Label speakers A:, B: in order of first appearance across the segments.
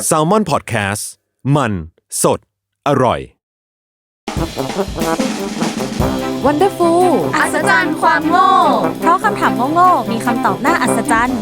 A: Salmon Podcast มันสดอร่อย
B: Wonderful
C: อัศจรรย์ความโง่
B: เพราะคำถามโง่ๆมีคำตอบน่าอัศจรรย์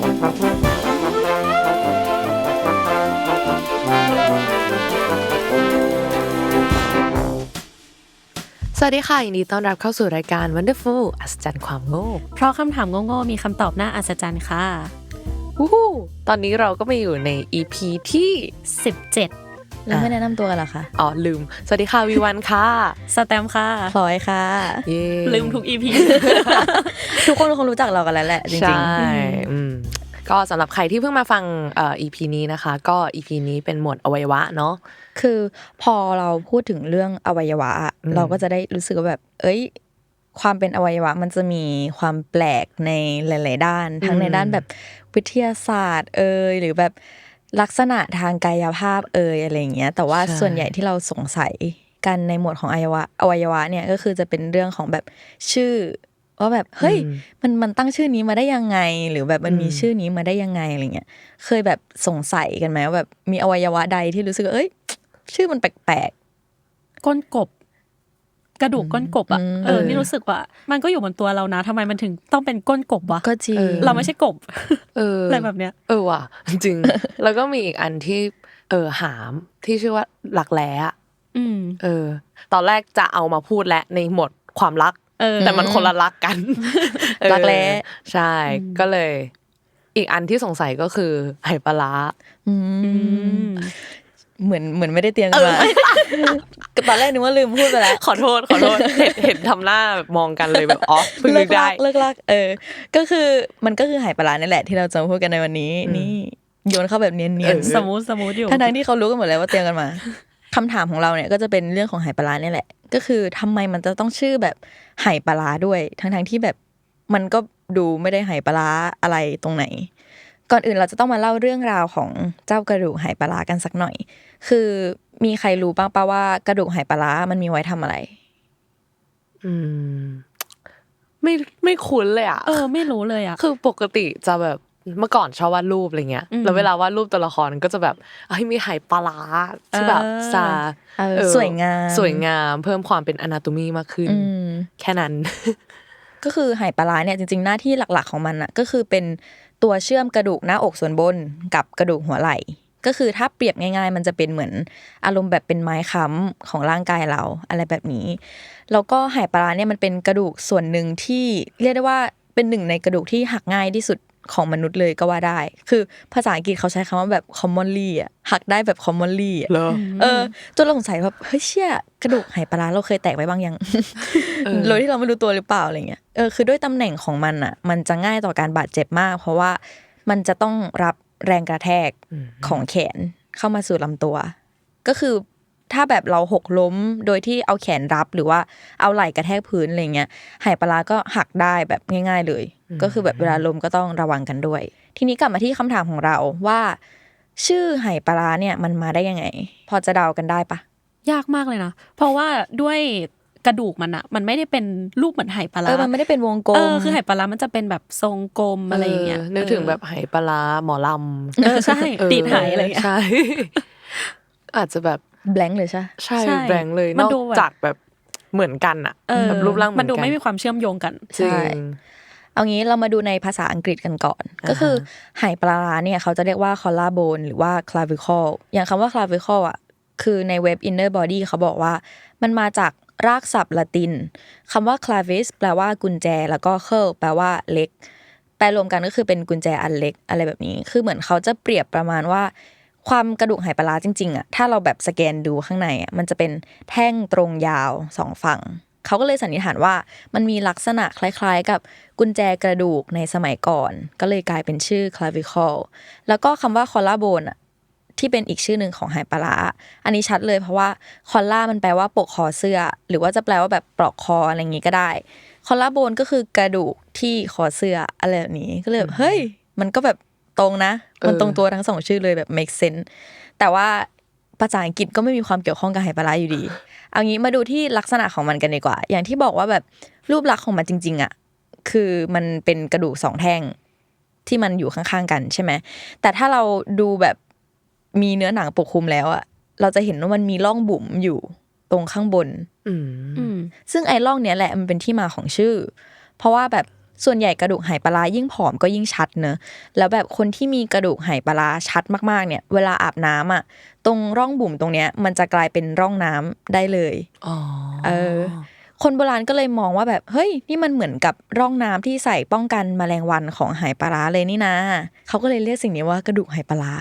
D: สวัสดีค่ะยินดีต้อนรับเข้าสู่รายการ Wonderful อัศจรรย์ความโง่
B: เพราะคำถามโง่ๆมีคำตอบน่าอัศจรรย์ค่ะ
D: วู้ฮู้ตอนนี้เราก็มาอยู่ใน EP ที่
B: 17
E: แล้วไม่แนะนำตัวกันเหรอคะ
D: อ๋อลืมสวัสดีค่ะวีวันค่ะ
B: สแตมค่ะ
E: พลอยค่ะ
D: เย้
B: ลืมทุก EP
E: ทุกคนคงรู้จักเรากันแล้วแหละจริงๆ
D: ใช่ก็สำหรับใครที่เพิ่งมาฟังEP นี้นะคะก็ EP นี้เป็นหมวดอวัยวะเนาะ
E: คือพอเราพูดถึงเรื่องอวัยวะเราก็จะได้รู้สึกว่าแบบความเป็นอวัยวะมันจะมีความแปลกในหลายๆด้านทั้งในด้านแบบวิทยาศาสตร์หรือแบบลักษณะทางกายภาพอะไรอย่างเงี้ยแต่ว่าส่วนใหญ่ที่เราสงสัยกันในหมวดของอวัยวะเนี่ยก็คือจะเป็นเรื่องของแบบชื่อว่าแบบเฮ้ยมันตั้งชื่อนี้มาได้ยังไงหรือแบบมันมีชื่อนี้มาได้ยังไงอะไรเงี้ยเคยแบบสงสัยกันไหมว่าแบบมีอวัยวะใดที่รู้สึกว่าชื่อมันแปลก
B: ๆก้นกบกระดูกก้นกบอ่ะนี่รู้สึกว่ามันก็อยู่บนตัวเรานะทำไมมันถึงต้องเป็นก้นกบวะ
E: ก็จริง
B: เราไม่ใช่กบอะไรแบบเนี้ย
D: ว่ะจริงแล้วก็มีอีกอันที่หามที่ชื่อว่าหลักแร้อ่ะตอนแรกจะเอามาพูดและในหมวดความรักแต่มันคนละรักกัน
E: รักแร้
D: ใช่ก็เลยอีกอันที่สงสัยก็คือไหปลาร้า
E: เหมือนไม่ได้เตรียมกันมาตอนแรกนึกว่าลืมพูดไปแล้ว
D: ขอโทษเห็นทำหน้าแบบมองกันเลยแบบอ๋อเพิ่งนึกได้
E: เลิกลักก็คือมันก็คือไหปลาร้านี่แหละที่เราจะพูดกันในวันนี้นี่โยนเข้าแบบเนียน
B: ๆสมูทอยู่
E: ทั้งที่เขารู้กันหมดแล้วว่าเตรียมกันมาคำถามของเราเนี่ยก็จะเป็นเรื่องของไหปลาร้านี่แหละก็คือทำไมมันจะต้องชื่อแบบไหปลาร้าด้วยทั้งที่แบบมันก็ดูไม่ได้ไหปลาร้าอะไรตรงไหนก่อนอื่นเราจะต้องมาเล่าเรื่องราวของเจ้ากระดูกไหปลาร้ากันสักหน่อยคือมีใครรู้บ้างป่ะว่ากระดูกไหปลาร้ามันมีไว้ทำอะไร
D: ไม่คุ้นเลยอ่ะ
B: ไม่รู้เลยอ่ะ
D: คือปกติจะแบบเมื่อก่อนชอบวาดรูปอะไรเงี้ยแล้วเวลาวาดรูปตัวละครก็จะแบบมีไหปลาร้าที่แบบ
E: สวยง
D: ามเพิ่มความเป็นอนาโตมีมากขึ้นแค่นั้น
E: ก็คือไหปลาร้าเนี่ยจริงๆหน้าที่หลักๆของมันน่ะก็คือเป็นตัวเชื่อมกระดูกหน้าอกส่วนบนกับกระดูกหัวไหล่ก็คือถ้าเปรียบง่ายๆมันจะเป็นเหมือนอารมณ์แบบเป็นไม้ค้ำของร่างกายเราอะไรแบบนี้แล้วก็ไหปลาร้าเนี่ยมันเป็นกระดูกส่วนหนึ่งที่เรียกได้ว่าเป็นหนึ่งในกระดูกที่หักง่ายที่สุดของมนุษย์เลยก็ว่าได้คือภาษาอังกฤษเขาใช้คำว่าแบบ commonly อ่ะหักได้แบบ commonly อ่ะจนเราสงสัยว่าเฮ้ยเชี่ยกระดูกไหปลาร้าเราเคยแตกไว้บ้างยังโดยที่เราไม่รู้ตัวหรือเปล่าอะไรเงี้ยคือด้วยตำแหน่งของมันอ่ะมันจะง่ายต่อการบาดเจ็บมากเพราะว่ามันจะต้องรับแรงกระแทกของแขนเข้ามาสู่ลำตัวก็คือถ้าแบบเราหกล้มโดยที่เอาแขนรับหรือว่าเอาไหล่กระแทกพื้นอะไรเงี้ยไหปลาร้าก็หักได้แบบง่ายๆเลยก็คือแบบเวลาล้มก็ต้องระวังกันด้วยทีนี้กลับมาที่คำถามของเราว่าชื่อไหปลาร้าเนี่ยมันมาได้ยังไงพอจะเดากันได้ปะ
B: ยากมากเลยนะเพราะว่าด้วยกระดูกมันอะมันไม่ได้เป็นรูปเหมือนไหปลาร้า
E: มันไม่ได้เป็นวงกลม
B: คือไหปลาร้ามันจะเป็นแบบทรงกลมอะไรอย่างเงี้ย
D: นึกถึงแบบไหปลาร้าหมอล
B: ำใช่ตีนไหอะไรอย่างเงี้ย
D: ใช่อาจจะแบบ
E: แบงค์เลยใช่
D: แบงค์เลยนอกจากแบบเหมือนกันอะแบบรูปร่าง
B: มันดูไม่มีความเชื่อมโยงกัน
E: ใช่เอางี้เรามาดูในภาษาอังกฤษกันก่อนก็คือไหปลาร้าเนี่ยเขาจะเรียกว่า collarbone หรือว่า clavicle อย่างคำว่า clavicle อ่ะคือในเว็บ Inner Body เขาบอกว่ามันมาจากรากศัพท์ละตินคำว่า clavis แปลว่ากุญแจแล้วก็ curl แปลว่าเล็กแปลรวมกันก็คือเป็นกุญแจอันเล็กอะไรแบบนี้คือเหมือนเขาจะเปรียบประมาณว่าความกระดูกไหปลาร้าจริงๆอ่ะถ้าเราแบบสแกนดูข้างในอ่ะมันจะเป็นแท่งตรงยาวสองฝั่งเขาก็เลยสันนิษฐานว่ามันมีลักษณะคล้ายๆกับกุญแจกระดูกในสมัยก่อนก็เลยกลายเป็นชื่อ clavicle แล้วก็คำว่า collarbone อ่ะที่เป็นอีกชื่อหนึ่งของไหปลาร้าอันนี้ชัดเลยเพราะว่า collar มันแปลว่าปกคอเสื้อหรือว่าจะแปลว่าแบบปลอกคออะไรอย่างงี้ก็ได้ collarbone ก็คือกระดูกที่คอเสื้ออะไรแบบนี้ก็เลยเฮ้ยมันก็แบบตรงนะมันตรงตัวทั้งสองชื่อเลยแบบ make sense แต่ว่าภาษาอังกฤษก็ไม่มีความเกี่ยวข้องกับไหปลาร้าอยู่ดีเอางี้มาดูที่ลักษณะของมันกันดีกว่าอย่างที่บอกว่าแบบรูปลักษณ์ของมันจริงๆอ่ะคือมันเป็นกระดูกสองแท่งที่มันอยู่ข้างๆกันใช่ไหมแต่ถ้าเราดูแบบมีเนื้อหนังปกคลุมแล้วอ่ะเราจะเห็นว่ามันมีร่องบุ๋มอยู่ตรงข้างบนซึ่งไอ้ร่องเนี้ยแหละมันเป็นที่มาของชื่อเพราะว่าแบบส่วนใหญ่กระดูกไหปลาร้ายิ่งผอมก็ยิ่งชัดเนอะแล้วแบบคนที่มีกระดูกไหปลาร้าชัดมากๆเนี่ยเวลาอาบน้ำอ่ะตรงร่องบุ๋มตรงเนี้ยมันจะกลายเป็นร่องน้ำได้เลยคนโบราณก็เลยมองว่าแบบเฮ้ยนี่มันเหมือนกับร่องน้ำที่ใส่ป้องกันแมลงวันของไหปลาร้าเลยนี่นะเขาก็เลยเรียกสิ่งนี้ว่ากระดูกไหปลาร้า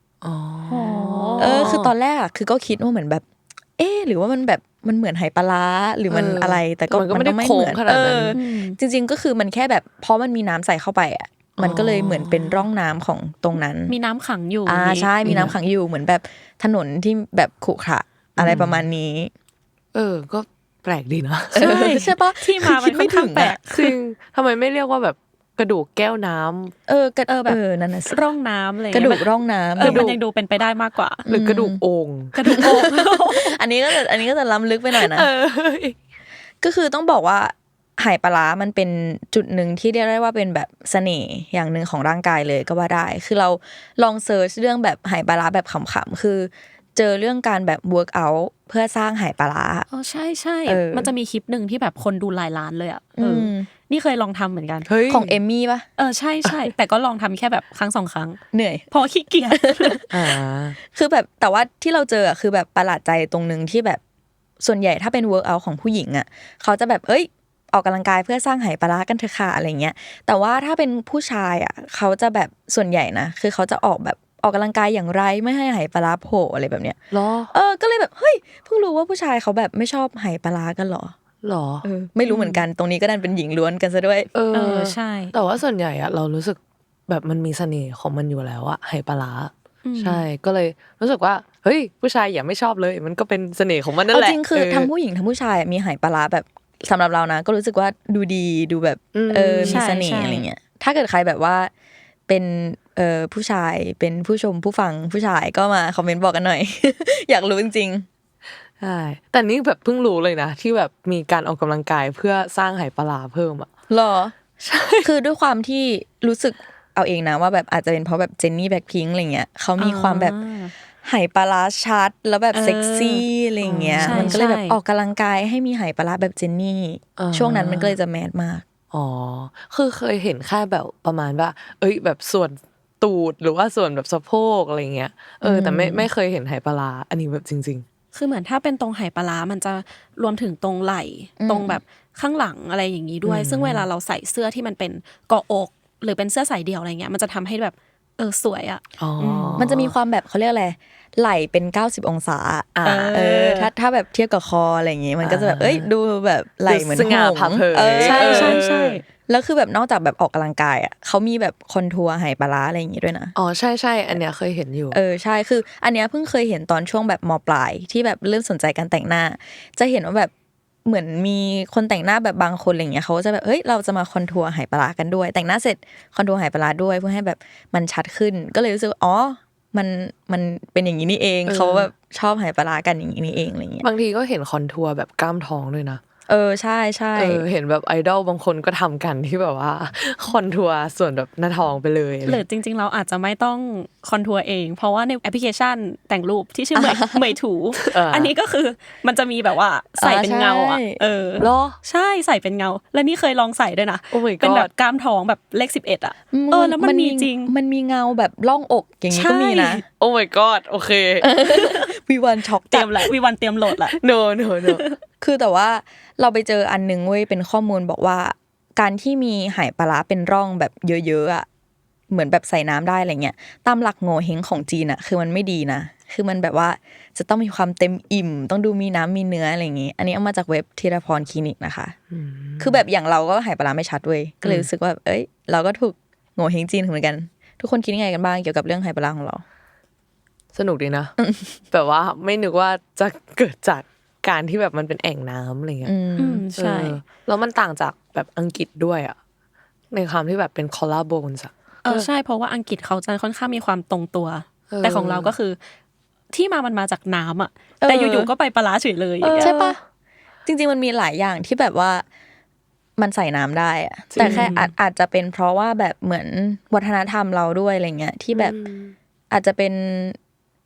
E: คือตอนแรกอ่ะคือก็คิดว่าเหมือนแบบหรือว่ามันแบบมันเหมือนไหปลาร้าหรือมันอะไรแต่ก็มันก็ไม่เหมือนจริงๆก็คือมันแค่แบบเพราะมันมีน้ำใส่เข้าไปอ่ะมันก็เลยเหมือนเป็นร่องน้ำของตรงนั้น
B: มีน้ำขังอยู่
E: ใช่มีน้ำขังอยู่เหมือนแบบถนนที่แบบขรุขระอะไรประมาณนี้
D: ก็แปลกดีนะ
E: ใช่ปะ
B: ที่มามันค่อนข้างแปลก
D: จริงทำไมไม่เรียกว่าแบบกระดูกแก้วน้ำ
B: แบบนั่นน่ะร่องน้ำอะไร
E: กระดูกร่องน้ำ
B: มันยังดูเป็นไปได้มากกว่า
D: หรือกระดูกโอ่ง
E: อันนี้ก็จะล้ำลึกไปหน่อยนะก็คือต้องบอกว่าไหปลาร้ามันเป็นจุดหนึ่งที่เรียกได้ว่าเป็นแบบเสน่ห์อย่างหนึ่งของร่างกายเลยก็ว่าได้คือเราลองเซิร์ชเรื่องแบบไหปลาร้าแบบขำๆคือเจอเรื่องการแบบ work out เพื่อสร้างไหปลาร้า
B: ใช่มันจะมีคลิปนึงที่แบบคนดูหลายล้านเลยอ่ะนี่เคยลองทำเหมือนกัน
E: ของเอมมี่ป่ะ
B: ใช่แต่ก็ลองทำแค่แบบครั้ง2 ครั้ง
E: เหนื่อย
B: พอขี้เกียจ
E: คือแบบแต่ว่าที่เราเจอคือแบบประหลาดใจตรงนึงที่แบบส่วนใหญ่ถ้าเป็น work out ของผู้หญิงอ่ะเขาจะแบบออกกำลังกายเพื่อสร้างไหปลาร้ากันเถอะค่ะอะไรเงี้ยแต่ว่าถ้าเป็นผู้ชายอ่ะเขาจะแบบส่วนใหญ่นะคือเขาจะออกกำลังกายอย่างไรไม่ให้ไหปลาร้าโผล่อะไรแบบเนี้ย
D: หรอ
E: ก็เลยแบบเฮ้ยเพิ่งรู้ว่าผู้ชายเขาแบบไม่ชอบไหปลาร้ากันหรอไม่รู้เหมือนกันตรงนี้ก็ดันเป็นหญิงล้วนกันซะด้วย
B: ใช่
D: แต่ว่าส่วนใหญ่อะเรารู้สึกแบบมันมีเสน่ห์ของมันอยู่แล้วอะไหปลาร้าใช่ก็เลยรู้สึกว่าเฮ้ยผู้ชายอย่าไม่ชอบเลยมันก็เป็นเสน่ห์ของมันนั่นแหละ
E: จริงคือทั้งผู้หญิงทั้งผู้ชายมีไหปลาร้าแบบสำหรับเรานะก็รู้สึกว่าดูดีดูแบบมีเสน่ห์อะไรเงี้ยถ้าเกิดใครแบบว่าเป็นผู้ชายเป็นผู้ชมผู้ฟังผู้ชายก็มาคอมเมนต์บอกกันหน่อย อยากรู้จริง
D: ๆใช่แต่นี่แบบเพิ่งรู้เลยนะที่แบบมีการออกกำลังกายเพื่อสร้างไหปลาร้าเพิ่มอ่ะ
E: หรอใช่คือด้วยความที่รู้สึกเอาเองนะว่าแบบอาจจะเป็นเพราะแบบเจนนี่แบล็คพิงค์อะไรเงี้ยเขามีความแบบไหปลาร้าชัดแล้วแบบเซ็กซี่อะไรเงี้ยมันก็เลยแบบออกกำลังกายให้มีไหปลาร้าแบบเจนนี่ช่วงนั้นมันก็เลยจะแมสมาก
D: คือเคยเห็นแค่แบบประมาณว่าแบบส่วนตูดหรือว่าส่วนแบบสะโพกอะไรเงี้ยแต่ไม่เคยเห็นไหปลาร้าอันนี้แบบจริง
B: ๆคือเหมือนถ้าเป็นตรงไหปลาร้ามันจะรวมถึงตรงไหล่ตรงแบบข้างหลังอะไรอย่างนี้ด้วยซึ่งเวลาเราใส่เสื้อที่มันเป็นเกาะอกหรือเป็นเสื้อใส่เดี่ยวอะไรเงี้ยมันจะทำให้แบบสวยอ่ะ
E: มันจะมีความแบบเขาเรียกอะไรไหล่เป็น90องศาถ้าแบบเทียบกับคออะไรอย่างงี้มันก็จะแบบดูแบบไหล่เหมือนหง
B: ใช่
E: แล้วคือแบบนอกจากแบบออกกำลังกายอ่ะเขามีแบบคอนทัวร์ไหปลาร้าอะไรอย่างงี้ด้วยนะ
D: ใช่อันเนี้ยเคยเห็นอยู่
E: ใช่คืออันเนี้ยเพิ่งเคยเห็นตอนช่วงแบบม.ปลายที่แบบเริ่มสนใจการแต่งหน้าจะเห็นว่าแบบเหมือนมีคนแต่งหน้าแบบบางคนอะไรเงี้ยเขาจะแบบเราจะมาคอนทัวร์ไหปลาร้ากันด้วยแต่งหน้าเสร็จคอนทัวร์ไหปลาร้าด้วยเพื่อให้แบบมันชัดขึ้นก็เลยรู้สึกมันเป็นอย่างนี้นี่เองเขาแบบชอบไหปลาร้ากันอย่างนี้นี่เองอะไรเงี้ย
D: บางทีก็เห็นคอนทัวร์แบบกล้ามท้องด้วยนะ
E: ใช่ใช่
D: เห็นแบบไอดอลบางคนก็ทำกันที่แบบว่าคอนทัวร์ส่วนแบบหน้าท้องไปเลย
B: หรือจริงๆเราอาจจะไม่ต้องคอนทัวร์เองเพราะว่าในแอปพลิเคชันแต่งรูปที่ชื่อเหมยถูอันนี้ก็คือมันจะมีแบบว่าใส่เป็นเงาอ่ะ
D: เหรอ
B: ใช่ใส่เป็นเงาแล้วนี่เคยลองใส่ด้วยนะเป็นแบบกล้ามท้องแบบเลข11อ่ะแล้วมันมีจริง
E: มันมีเงาแบบร่องอกอย่างนี้ก็มีนะ
D: โอ้ my god โอเค
E: วีวันช็อก
B: เตรียมละวีวันเตรียมโหลดละ
D: no
E: คือแต่ว่าเราไปเจออันนึงเว้ยเป็นข้อมูลบอกว่าการที่มีไหปลาร้าเป็นร่องแบบเยอะๆอ่ะเหมือนแบบใส่น้ำได้อะไรเงี้ยตามหลักโง่เฮงของจีนอ่ะคือมันไม่ดีนะคือมันแบบว่าจะต้องมีความเต็มอิ่มต้องดูมีน้ำมีเนื้ออะไรอย่างงี้อันนี้เอามาจากเว็บธีรพรคลินิกนะคะคือแบบอย่างเราก็ไหปลาร้าไม่ชัดเว้ยก็เลยรู้สึกว่าเราก็ถูกโง่เฮงจีนเหมือนกันทุกคนคิดยังไงกันบ้างเกี่ยวกับเรื่องไหปลาร้าของเรา
D: สนุกดีนะแบบว่าไม่นึกว่าจะเกิดจากการที่แบบมันเป็นแอ่งน้ำอะไรเงี้ย
B: ใช่
D: แล้วมันต่างจากแบบอังกฤษด้วยอ่ะในความที่แบบเป็นคอลลาโบนส์
B: ใช่เพราะว่าอังกฤษเขาจะค่อนข้างมีความตรงตัวแต่ของเราก็คือที่มันมาจากน้ำอ่ะแต่อยู่ๆก็ไปปลาร้าเฉยเลย
E: ใช่ปะจริงๆมันมีหลายอย่างที่แบบว่ามันใส่น้ำได้อะแต่แค่อาจจะเป็นเพราะว่าแบบเหมือนวัฒนธรรมเราด้วยอะไรเงี้ยที่แบบอาจจะเป็น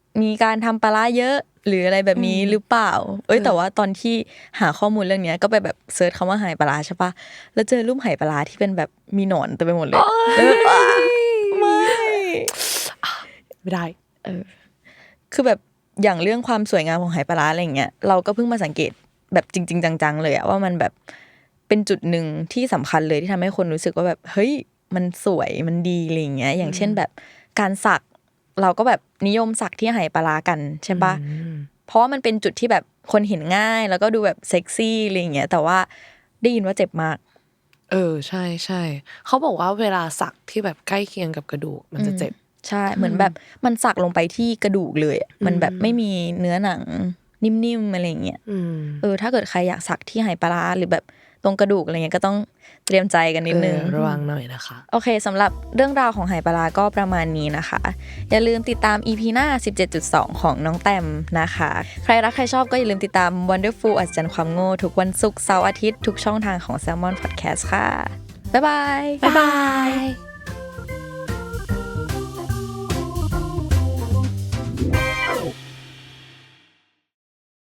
E: มีการทำปลาร้าเยอะหรืออะไรแบบนี้หรือเปล่าแต่ว่าตอนที่หาข้อมูลเรื่องนี้ก็ไปแบบเซิร์ชคำว่าไหปลาร้าใช่ปะแล้วเจอรูปไหปลาร้าที่เป็นแบบมีหนอนเต็มไปหมดเลย
D: ไม่ได้
E: คือแบบอย่างเรื่องความสวยงามของไหปลาร้าอะไรอย่างเงี้ยเราก็เพิ่งมาสังเกตแบบจริงๆจังๆเลยอะว่ามันแบบเป็นจุดหนึ่งที่สำคัญเลยที่ทำให้คนรู้สึกว่าแบบเฮ้ยมันสวยมันดีอะไรอย่างเงี้ยอย่างเช่นแบบการสักเราก็แบบนิยมสักที่ไหปลาร้ากันใช่ปะเพราะว่ามันเป็นจุดที่แบบคนเห็นง่ายแล้วก็ดูแบบเซ็กซี่อะไรอย่างเงี้ยแต่ว่าได้ยินว่าเจ็บมาก
D: ใช่ใช่เขาบอกว่าเวลาสักที่แบบใกล้เคียงกับกระดูกมันจะเจ็บ
E: ใช่เหมือนแบบมันสักลงไปที่กระดูกเลยมันแบบไม่มีเนื้อหนังนิ่มๆอะไรอย่างเงี้ยถ้าเกิดใครอยากสักที่ไหปลาร้าหรือแบบตรงกระดูกอะไรเงี้ยก็ต้องเตรียมใจกันนิดนึง
D: ระวังหน่อยนะคะ
E: โอเคสำหรับเรื่องราวของไหปลาร้าก็ประมาณนี้นะคะอย่าลืมติดตาม EP หน้า 17.2 ของน้องแต้มนะคะใครรักใครชอบก็อย่าลืมติดตาม Wonderful อัศจรรย์ความโง่ทุกวันศุกร์เสาร์อาทิตย์ทุกช่องทางของ Salmon Podcast ค่ะบ๊ายบาย
B: บ๊ายบาย